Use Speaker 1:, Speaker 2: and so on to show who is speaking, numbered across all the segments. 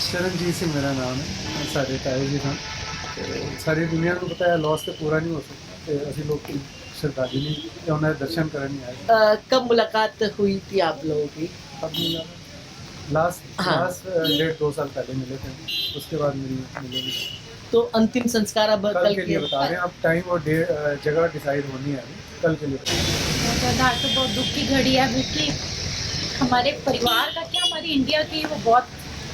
Speaker 1: शरणजीत सिंह मेरा नाम है। साढ़े ताए जी सन ते सारी दुनिया को पता है लॉस तो पूरा नहीं हो सकता ते असी लोग श्रद्धांजलि ते उन्हें दर्शन करने आए।
Speaker 2: कब मुलाकात हुई थी आप लोगों की?
Speaker 1: अब मिला लास्ट
Speaker 2: हाँ।
Speaker 1: लास्ट 1.5-2 साल पहले मिले थे, उसके बाद मिले नहीं।
Speaker 2: तो अंतिम संस्कार अब
Speaker 1: कल के लिए बता रहे हैं, अब टाइम और जगह डिसाइड होनी है अभी, कल के लिए बता रहे हैं।
Speaker 3: आधार तो बहुत दुख की घड़ी है क्योंकि हमारे परिवार का क्या, हमारी इंडिया की वो बहुत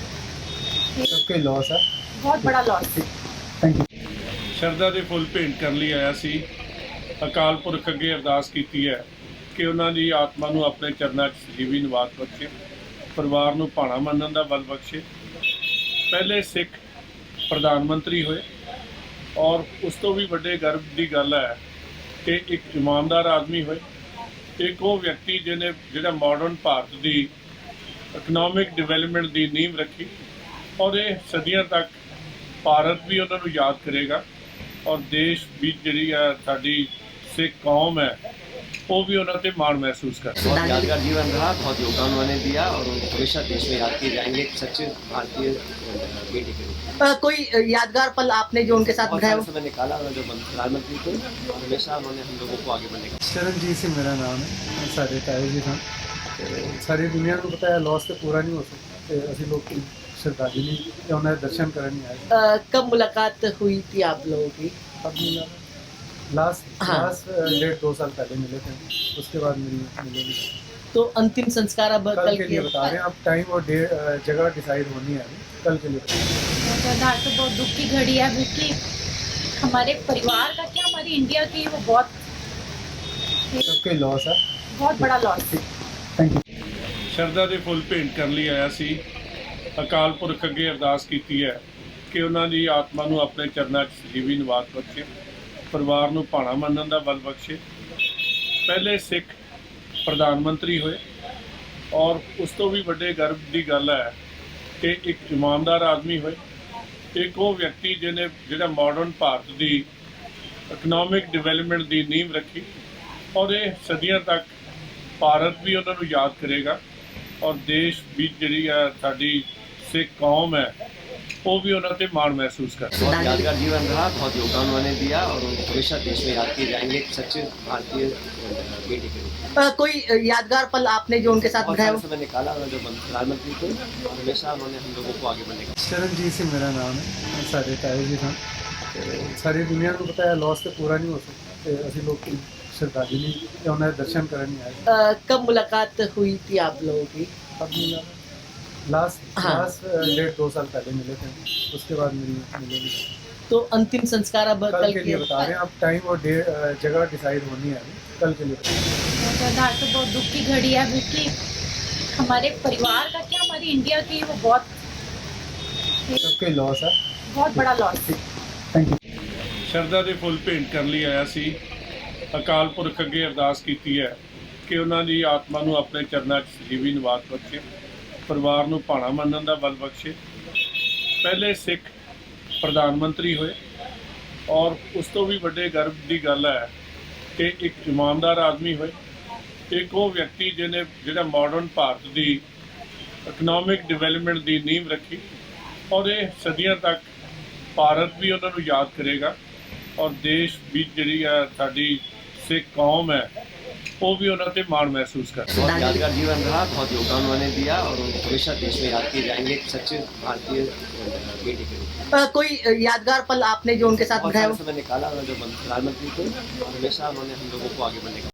Speaker 1: सबके लॉस है।
Speaker 3: बहुत बड़ा लॉस।
Speaker 1: Thank you.
Speaker 4: ਸ਼ਰਧਾ ਦੇ ਫੁੱਲ ਭੇਂਟ ਕਰਨ ਲਈ ਆਇਆ ਸੀ। ਅਕਾਲ ਪੁਰਖ ਅੱਗੇ ਅਰਦਾਸ ਕੀਤੀ ਹੈ ਕਿ ਉਹਨਾਂ ਦੀ ਆਤਮਾ ਨੂੰ ਆਪਣੇ ਚਰਨਾਂ 'ਚ ਸਜੀਵੀ ਨਿਵਾਸ ਬਖਸ਼ੇ, ਪਰਿਵਾਰ ਨੂੰ ਭਾਣਾ ਮੰਨਣ ਦਾ ਬਲ ਬਖਸ਼ੇ। ਪਹਿਲੇ ਸਿੱਖ ਪ੍ਰਧਾਨ ਮੰਤਰੀ ਹੋਏ ਔਰ ਉਸ ਤੋਂ ਵੀ ਵੱਡੇ ਗਰਵ ਦੀ ਗੱਲ ਹੈ ਕਿ ਇੱਕ ਇਮਾਨਦਾਰ ਆਦਮੀ ਹੋਏ, ਇੱਕ ਉਹ ਵਿਅਕਤੀ ਜਿਹਨੇ ਜਿਹੜਾ ਮਾਡਰਨ ਭਾਰਤ ਦੀ ਇਕਨੋਮਿਕ ਡਿਵੈਲਪਮੈਂਟ ਦੀ ਨੀਂਹ ਰੱਖੀ ਔਰ ਇਹ ਸਦੀਆਂ ਤੱਕ ਭਾਰਤ ਵੀ ਉਹਨਾਂ ਨੂੰ ਯਾਦ ਕਰੇਗਾ ਔਰ ਦੇਸ਼ ਵੀ ਜਿਹੜੀ ਹੈ ਸਾਡੀ ਸਿੱਖ ਕੌਮ ਹੈ वो भी उन्होंने मान महसूस कर।
Speaker 5: बहुत यादगार जीवन रहा, बहुत योगदान उन्होंने दिया और हमेशा देश में याद किए जाएंगे एक सच्चे भारतीय बेटे के रूप में।
Speaker 2: कोई यादगार पल आपने जो उनके साथ बिताया?
Speaker 5: समय निकाला जो प्रधानमंत्री थे, हमेशा उन्होंने हम लोगों को आगे बढ़ने का।
Speaker 1: शरणजीत सिंह मेरा नाम है। साढ़े ताए जी सन ते सारी दुनिया को पता है लॉस तो पूरा नहीं हो सकता ते असी लोग श्रद्धांजलि ते उन्हें दर्शन करने आए।
Speaker 2: कब मुलाकात हुई थी आप लोगों की?
Speaker 1: अब मिला लास्ट 1.5-2 साल पहले मिले थे, उसके बाद मिले नहीं।
Speaker 2: तो अंतिम संस्कार अब
Speaker 1: कल के लिए बता रहे हैं, अब टाइम और जगह डिसाइड होनी है अभी, कल के लिए बता रहे हैं।
Speaker 3: आधार तो बहुत दुख की घड़ी है क्योंकि हमारे परिवार का क्या, हमारी इंडिया की वो बहुत
Speaker 1: सबके लॉस है।
Speaker 3: बहुत बड़ा लॉस।
Speaker 1: Thank you.
Speaker 4: ਸ਼ਰਧਾ ਦੇ ਫੁੱਲ ਭੇਂਟ ਕਰਨ ਲਈ ਆਇਆ ਸੀ। ਅਕਾਲ ਪੁਰਖ ਅੱਗੇ ਅਰਦਾਸ ਕੀਤੀ ਹੈ ਕਿ ਉਹਨਾਂ ਦੀ ਆਤਮਾ ਨੂੰ ਆਪਣੇ ਚਰਨਾਂ 'ਚ ਸਜੀਵੀ ਨਿਵਾਸ ਬਖਸ਼ੇ, ਪਰਿਵਾਰ ਨੂੰ ਭਾਣਾ ਮੰਨਣ ਦਾ ਬਲ ਬਖਸ਼ੇ। ਪਹਿਲੇ ਸਿੱਖ ਪ੍ਰਧਾਨ ਮੰਤਰੀ ਹੋਏ ਔਰ ਉਸ ਤੋਂ ਵੀ ਵੱਡੇ ਗਰਵ ਦੀ ਗੱਲ ਹੈ ਕਿ ਇੱਕ ਇਮਾਨਦਾਰ ਆਦਮੀ ਹੋਏ, ਇੱਕ ਉਹ ਵਿਅਕਤੀ ਜਿਹਨੇ ਜਿਹੜਾ ਮਾਡਰਨ ਭਾਰਤ ਦੀ ਇਕਨੋਮਿਕ ਡਿਵੈਲਪਮੈਂਟ ਦੀ ਨੀਂਹ ਰੱਖੀ ਔਰ ਇਹ ਸਦੀਆਂ ਤੱਕ ਭਾਰਤ ਵੀ ਉਹਨਾਂ ਨੂੰ ਯਾਦ ਕਰੇਗਾ ਔਰ ਦੇਸ਼ ਵੀ ਜਿਹੜੀ ਹੈ ਸਾਡੀ ਸਿੱਖ ਕੌਮ ਹੈ वो भी उन्होंने मान महसूस कर।
Speaker 5: बहुत यादगार जीवन रहा, बहुत योगदान उन्होंने दिया और हमेशा देश में याद किए जाएंगे एक सच्चे भारतीय बेटे के रूप में।
Speaker 2: कोई यादगार पल आपने जो उनके साथ बिताया?
Speaker 5: समय निकाला जो प्रधानमंत्री थे, हमेशा उन्होंने हम लोगों को आगे बढ़ने का।
Speaker 1: शरणजीत सिंह मेरा नाम है। साढ़े ताए जी सन ते सारी दुनिया को पता है लॉस तो पूरा नहीं हो सकता ते असी लोग श्रद्धांजलि ते उन्हें दर्शन करने आए।
Speaker 2: कब मुलाकात हुई थी आप लोगों की?
Speaker 1: अब मिला लास्ट 1.5-2 साल पहले मिले थे, उसके बाद मिले नहीं।
Speaker 2: तो अंतिम संस्कार अब
Speaker 1: कल के लिए बता रहे हैं, अब टाइम और जगह डिसाइड होनी है अभी, कल के लिए बता रहे हैं।
Speaker 3: आधार तो बहुत दुख की घड़ी है क्योंकि हमारे परिवार का क्या, हमारी इंडिया की वो बहुत
Speaker 1: सबके लॉस है।
Speaker 3: बहुत बड़ा लॉस।
Speaker 1: Thank you.
Speaker 4: ਸ਼ਰਧਾ ਦੇ ਫੁੱਲ ਭੇਂਟ ਕਰਨ ਲਈ ਆਇਆ ਸੀ। ਅਕਾਲ ਪੁਰਖ ਅੱਗੇ ਅਰਦਾਸ ਕੀਤੀ ਹੈ ਕਿ ਉਹਨਾਂ ਦੀ ਆਤਮਾ ਨੂੰ ਆਪਣੇ ਚਰਨਾਂ 'ਚ ਸਜੀਵੀ ਨਿਵਾਸ ਬਖਸ਼ੇ, ਪਰਿਵਾਰ ਨੂੰ ਭਾਣਾ ਮੰਨਣ ਦਾ ਬਲ ਬਖਸ਼ੇ। ਪਹਿਲੇ ਸਿੱਖ ਪ੍ਰਧਾਨ ਮੰਤਰੀ ਹੋਏ ਔਰ ਉਸ ਤੋਂ ਵੀ ਵੱਡੇ ਗਰਵ ਦੀ ਗੱਲ ਹੈ ਕਿ ਇੱਕ ਇਮਾਨਦਾਰ ਆਦਮੀ ਹੋਏ, ਇੱਕ ਉਹ ਵਿਅਕਤੀ ਜਿਹਨੇ ਜਿਹੜਾ ਮਾਡਰਨ ਭਾਰਤ ਦੀ ਇਕਨੋਮਿਕ ਡਿਵੈਲਪਮੈਂਟ ਦੀ ਨੀਂਹ ਰੱਖੀ ਔਰ ਇਹ ਸਦੀਆਂ ਤੱਕ ਭਾਰਤ ਵੀ ਉਹਨਾਂ ਨੂੰ ਯਾਦ ਕਰੇਗਾ ਔਰ ਦੇਸ਼ ਵੀ ਜਿਹੜੀ ਹੈ ਸਾਡੀ ਸਿੱਖ ਕੌਮ ਹੈ वो भी उन्होंने मान महसूस कर।
Speaker 5: बहुत यादगार जीवन रहा, बहुत योगदान उन्होंने दिया और हमेशा देश में याद किए जाएंगे एक सच्चे भारतीय बेटे के रूप में।
Speaker 2: कोई यादगार पल आपने जो उनके साथ बिताया?
Speaker 5: समय निकाला जो प्रधानमंत्री थे, हमेशा उन्होंने हम लोगों को आगे बढ़ने का।